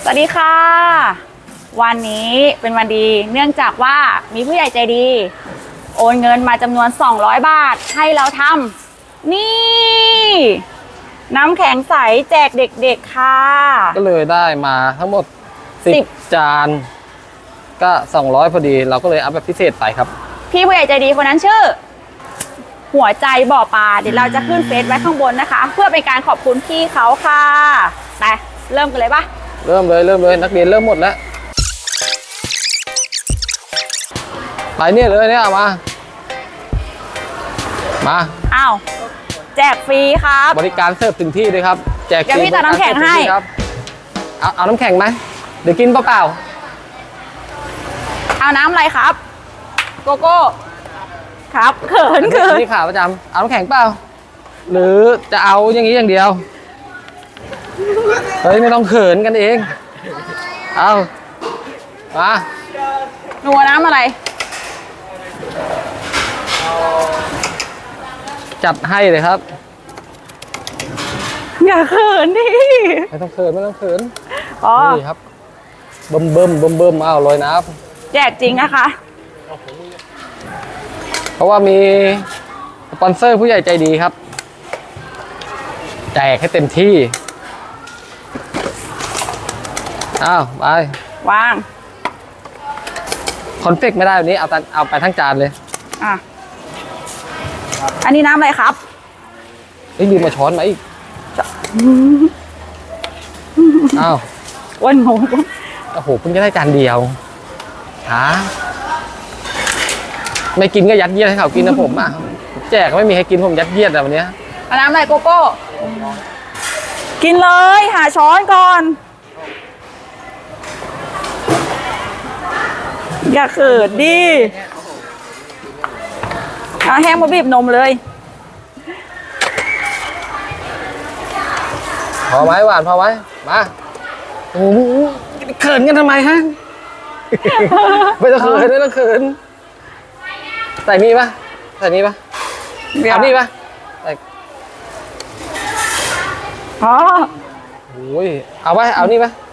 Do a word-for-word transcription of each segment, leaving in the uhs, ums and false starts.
สวัสดีค่ะวันนี้เป็นวันดีเนื่องจากว่ามีผู้ใหญ่ใจดีโอนเงินมาจำนวนสองร้อยบาทให้เราทำนี่น้ำแข็งใสแจกเด็กๆค่ะก็เลยได้มาทั้งหมดสิบสิบจานก็สองร้อยพอดีเราก็เลยอัพแบบพิเศษไปครับพี่ผู้ใหญ่ใจดีคนนั้นชื่อหัวใจบ่อปลาเดี๋ยวเราจะขึ้นเฟซไว้ข้างบนนะคะเพื่อเป็นการขอบคุณพี่เขาค่ะไปเริ่มกันเลยปะเริ่มเลยเริ่มเลยนักเรียนเริ่มหมดแล้วไปเนี่ยเลยเนี่ยมามาอ้าวแจกฟรีครับบริการเสิร์ฟถึงที่เลยครับแจกฟรีเดี๋ยวพี่ตัดน้ำแข็งให้ครับเอาเอาน้ำแข็งไหมเดี๋ยวกินเปล่าเอาน้ำอะไรครับโกโก้ครับเขินเขินนี่ขาประจำเอาน้ำแข็งเปล่าหรือจะเอาอย่างนี้อย่างเดียวเฮ้ยไม่ต้องเขินกันเองเอามาหนูน้ำอะไรจัดให้เลยครับอย่าเขินดิไม่ต้องเขินไม่ต้องเขินอ๋อนี่ครับเบิ่มเบิ่มเบิ่มเบิ่มเอาลอยน้ำแจกจริงนะคะเพราะว่ามีสปอนเซอร์ผู้ใหญ่ใจดีครับแจกให้เต็มที่อ้าวไปวางคอนเฟกไม่ได้วันนี้เอาเอาไปทั้งจานเลยอ่ะอันนี้น้ำอะไรครับไอ้ลืมมาช้อนมาอีกอ้าววันงงโอ้โหเพิ่งจะได้จานเดียวหาไม่กินก็ยัดเยียดให้เขากินนะผมอ่ะแจกไม่มีให้กินผมยัดเยียดอะวันนี้เอาน้ำอะไรโกโก้กินเลยหาช้อนก่อนอย่าเขินดิเอาแห้งมาบีบนมเลยพอไหมหวานพอไหมมาโอ้โหเขินกันทำไมฮะไม่ต้องเขินไม่ต้องเขินใส่นี่ปะใส่นี่ปะเอานี่ปะใส่อ๋อโอ้ยเอาไปเอานี่ปะ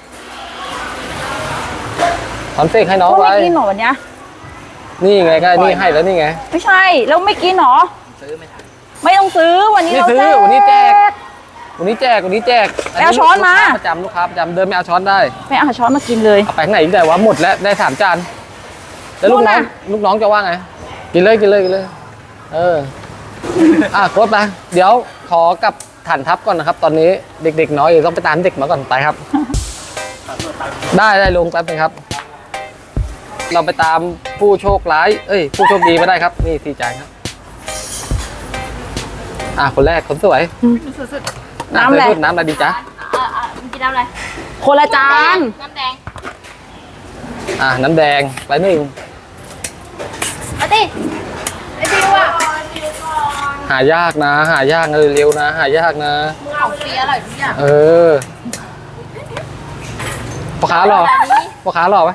คอนเฟกให้น้องไว้ไม่กินหรอวันนี้นี่ไงก็นี่ให้แล้วนี่ไงไม่ใช่แล้วไม่กินหรอซื้อไม่ทันไม่ต้องซื้อวันนี้เราแจกวันนี้แจกวันนี้แจกวันนี้แจกเอาช้อนมาประจำลูกค้าประจำเดินไม่เอาช้อนได้ไม่เอาช้อนมากินเลยเอาไปไหนได้วะหมดแล้วได้สามจานแล้วลูกน้องลูกน้องจะว่าไงกินเลยกินเลยกินเลยเอออ่ะโค้ดไปเดี๋ยวขอกับฐานทัพก่อนนะครับตอนนี้เด็กๆน้อยต้องไปตามเด็กมาก่อนไปครับได้ได้ลงแป๊บนึงครับเราไปตามผู้โชคร้ายเอ้ยผู้โชคดีมาได้ครับนี่สี่จานครับอ่ะคนแรกคนสวยน้ำอะไรน้ำอะไรดีจ๊ะกินน้ำอะไรคนละจานน้ำแดงอ่ะน้ำแดงไปหนึ่งมาดิไอ้ดิวอ่ะหายากนะหายากเลยเร็วนะหายากนะของฟรีอร่อยทุกอย่างเออพ่อค้าหรอพ่อค้าหรอปะ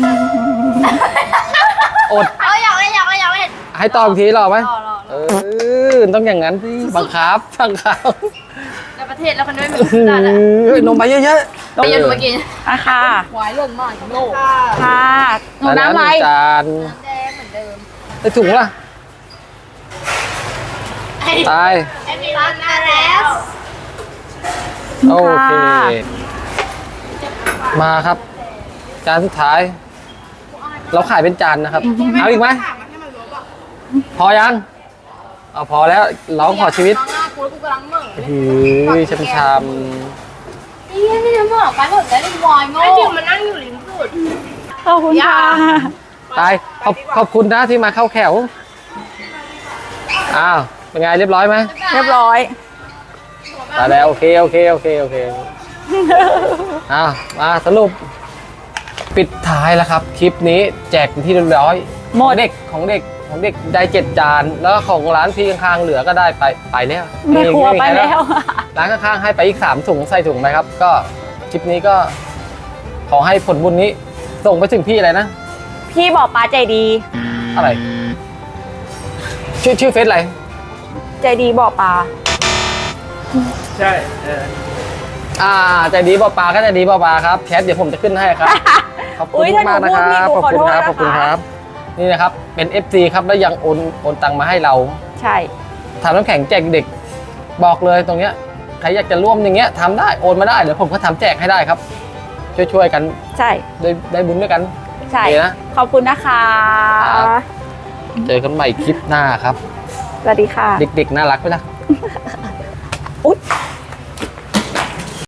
อดเอาอยากเลยอยากเลยอยากเลยให้ตอบทีหรอไหมเออต้องอย่างนั้นสิบังคับบังคับในประเทศแล้วคนไม่มีได้เลยนมไปเยอะๆนมเยอะมากินอ่ะค่ะหวายลงมากโลกค่ะหนูน้ำอะไรจานน้ำแดงเหมือนเดิมได้ถุงล่ะตายตัดมาแล้วโอเคมาครับจานสุดท้ายเราขายเป็นจานนะครับเอาอีกไหมพอยังเอาพอแล้วร้องขอชีวิตหือช้ำช้ำนี่นี่จะบอกไปหมดแล้วลิงวอยโง่ไอ้ดิวมันนั่งอยู่ริมสุดขอบคุณค่ะตายขอบขอบคุณนะที่มาเข้าแถวอ้าวเป็นไงเรียบร้อยไหมเรียบร้อยตายแล้วโอเคโอเคโอเคโอเคอ้าวมาสรุปปิดท้ายแล้วครับคลิปนี้แจกเป็นที่เรียบร้อยหมดเด็กของเด็กของเด็กได้เจ็ดจานแล้วของร้านที่ข้างๆเหลือก็ได้ไปไปแล้วแม่ครัวไปแล้วร้านข้างๆให้ไปอีกสามถุงใส่ถุงไหมครับก็คลิปนี้ก็ขอให้ผลบุญนี้ส่งไปถึงพี่อะไรนะพี่บอกป้าใจดีอะไรชื่อชื่อเฟซอะไรใจดีบอกป้าใช่อ่าใจดีเปล่าปลาก็ใจดีเปล่าปลาครับแชทเดี๋ยวผมจะขึ้นให้ครับ ขอบอุ๊คุณยถ้าหนูมากๆนะคพูดผิดรับหนูขอบคุณครับขขออบโทษนะคะคุณครับ นี่นะครับเป็น เอฟ ซี ครับแล้วยังโอนโอนตังมาให้เราใช่ทำน้ำแข็งแจกเด็กบอกเลยตรงเนี้ยใครอยากจะร่วมอย่างเงี้ยทำได้โอนมาได้เดี๋ยวผมก็ทำแจกให้ได้ครับ ช่วยๆกันใช่ได้ได้บุญด้วยกันใช่โอเคนะขอบคุณนะคะครับ เจอกันใหม่คลิปหน้าครับสวัสดีค่ะเด็กๆน่ารักไหมล่ะ